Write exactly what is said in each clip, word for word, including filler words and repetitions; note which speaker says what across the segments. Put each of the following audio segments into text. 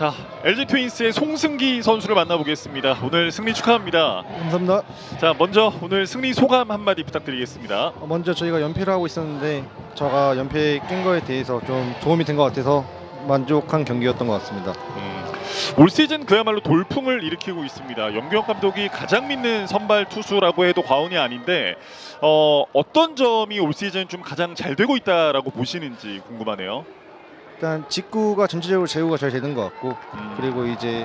Speaker 1: 자, 엘지 트윈스의 송승기 선수를 만나보겠습니다. 오늘 승리 축하합니다.
Speaker 2: 감사합니다.
Speaker 1: 자, 먼저 오늘 승리 소감 한마디 부탁드리겠습니다.
Speaker 2: 먼저 저희가 연패를 하고 있었는데 저가 연패 깬 거에 대해서 좀 도움이 된 것 같아서 만족한 경기였던 것 같습니다.
Speaker 1: 음, 올 시즌 그야말로 돌풍을 일으키고 있습니다. 염기영 감독이 가장 믿는 선발 투수라고 해도 과언이 아닌데 어, 어떤 점이 올 시즌 좀 가장 잘 되고 있다라고 보시는지 궁금하네요.
Speaker 2: 일단 직구가 전체적으로 제구가 잘 되는 것 같고
Speaker 1: 음.
Speaker 2: 그리고 이제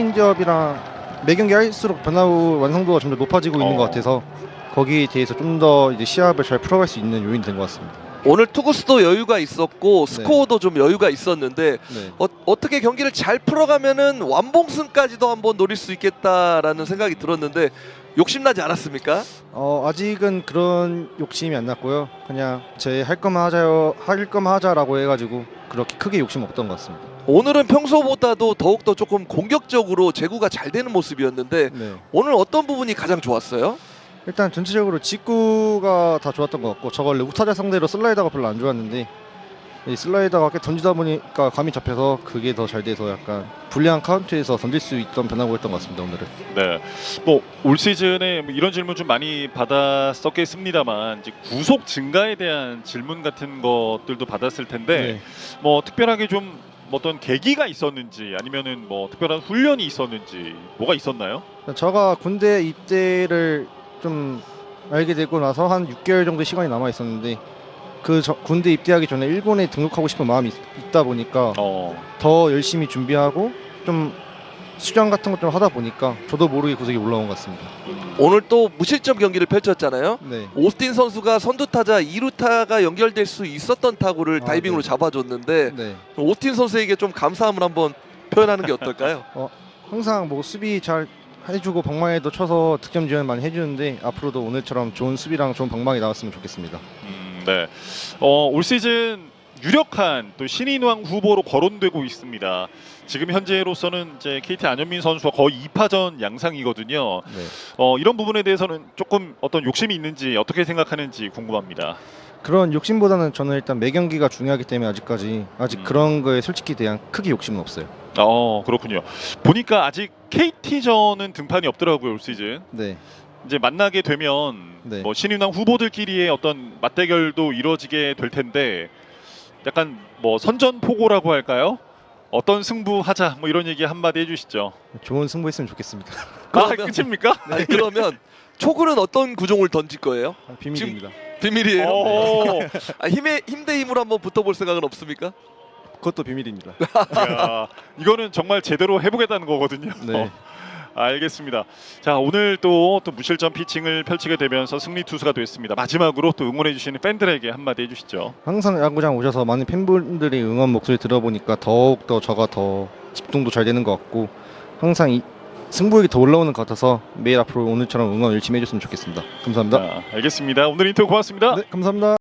Speaker 2: 체인지업이랑 매 경기 할수록 변화후 완성도가 점점 높아지고 있는
Speaker 1: 어.
Speaker 2: 것 같아서 거기에 대해서 좀 더 이제 시합을 잘 풀어갈 수 있는 요인이 된 것 같습니다.
Speaker 3: 오늘 투구수도 여유가 있었고 스코어도 좀 여유가 있었는데
Speaker 2: 네.
Speaker 3: 어, 어떻게 경기를 잘 풀어가면은 완봉승까지도 한번 노릴 수 있겠다라는 생각이 들었는데 욕심나지 않았습니까?
Speaker 2: 어, 아직은 그런 욕심이 안 났고요. 그냥 제 할 거만 하자요, 할 거만 하자라고 해가지고 그렇게 크게 욕심 없던 것 같습니다.
Speaker 3: 오늘은 평소보다도 더욱더 조금 공격적으로 제구가 잘 되는 모습이었는데
Speaker 2: 네.
Speaker 3: 오늘 어떤 부분이 가장 좋았어요?
Speaker 2: 일단 전체적으로 직구가 다 좋았던 것 같고 저 원래 우타자 상대로 슬라이더가 별로 안 좋았는데 이 슬라이더가 꽤 던지다 보니까 감이 잡혀서 그게 더 잘 돼서 약간 불리한 카운트에서 던질 수 있던 변화구였던 것 같습니다. 오늘은.
Speaker 1: 네, 뭐 올 시즌에 뭐 이런 질문 좀 많이 받았었겠습니다만 이제 구속 증가에 대한 질문 같은 것들도 받았을 텐데
Speaker 2: 네.
Speaker 1: 뭐 특별하게 좀 어떤 계기가 있었는지 아니면은 뭐 특별한 훈련이 있었는지 뭐가 있었나요?
Speaker 2: 저가 군대 입대를 좀 알게 되고 나서 한 육 개월 정도 시간이 남아 있었는데 그 저, 군대 입대하기 전에 일본에 등록하고 싶은 마음이 있, 있다 보니까
Speaker 1: 어,
Speaker 2: 더 열심히 준비하고 좀 수련 같은 것 좀 하다 보니까 저도 모르게 구석이 올라온 것 같습니다.
Speaker 3: 오늘 또 무실점 경기를 펼쳤잖아요.
Speaker 2: 네.
Speaker 3: 오스틴 선수가 선두타자 이 루타가 연결될 수 있었던 타구를
Speaker 2: 아,
Speaker 3: 다이빙으로
Speaker 2: 네.
Speaker 3: 잡아줬는데
Speaker 2: 네.
Speaker 3: 오스틴 선수에게 좀 감사함을 한번 표현하는 게 어떨까요?
Speaker 2: 항상 뭐 수비 잘 해주고 방망이도 쳐서 득점 지원 많이 해주는데 앞으로도 오늘처럼 좋은 수비랑 좋은 방망이 나왔으면 좋겠습니다.
Speaker 1: 음, 네. 어, 올 시즌 유력한 또 신인왕 후보로 거론되고 있습니다. 지금 현재로서는 이제 케이티 안현민 선수와 거의 이 파전 양상이거든요.
Speaker 2: 네.
Speaker 1: 어, 이런 부분에 대해서는 조금 어떤 욕심이 있는지 어떻게 생각하는지 궁금합니다.
Speaker 2: 그런 욕심보다는 저는 일단 매 경기가 중요하기 때문에 아직까지 아직
Speaker 1: 음.
Speaker 2: 그런 거에 솔직히 대한 크게 욕심은 없어요.
Speaker 1: 어, 그렇군요. 보니까 아직 케이티전은 등판이 없더라고요, 올 시즌.
Speaker 2: 네.
Speaker 1: 이제 만나게 되면
Speaker 2: 네.
Speaker 1: 뭐 신인왕 후보들끼리의 어떤 맞대결도 이루어지게 될 텐데 약간 뭐 선전포고라고 할까요? 어떤 승부하자 뭐 이런 얘기 한마디 해주시죠.
Speaker 2: 좋은 승부했으면 좋겠습니다.
Speaker 1: 아,
Speaker 3: 그러면-
Speaker 1: 끝입니까?
Speaker 3: 아니, 그러면 초구는 어떤 구종을 던질 거예요?
Speaker 2: 비밀입니다.
Speaker 3: 비밀이에요.
Speaker 1: 오,
Speaker 3: 아, 힘에 힘대 힘으로 한번 붙어볼 생각은 없습니까?
Speaker 2: 그것도 비밀입니다.
Speaker 1: 야, 이거는 정말 제대로 해보겠다는 거거든요.
Speaker 2: 네.
Speaker 1: 알겠습니다. 자, 오늘 또, 또 무실점 피칭을 펼치게 되면서 승리 투수가 됐습니다. 마지막으로 또 응원해주시는 팬들에게 한마디 해주시죠.
Speaker 2: 항상 야구장 오셔서 많은 팬분들이 응원 목소리 들어보니까 더욱 더 저가 더 집중도 잘 되는 것 같고 항상 이 승부욕이 더 올라오는 것 같아서 매일 앞으로 오늘처럼 응원 열심히 해줬으면 좋겠습니다. 감사합니다.
Speaker 1: 자, 알겠습니다. 오늘 인터뷰 고맙습니다.
Speaker 2: 네, 감사합니다.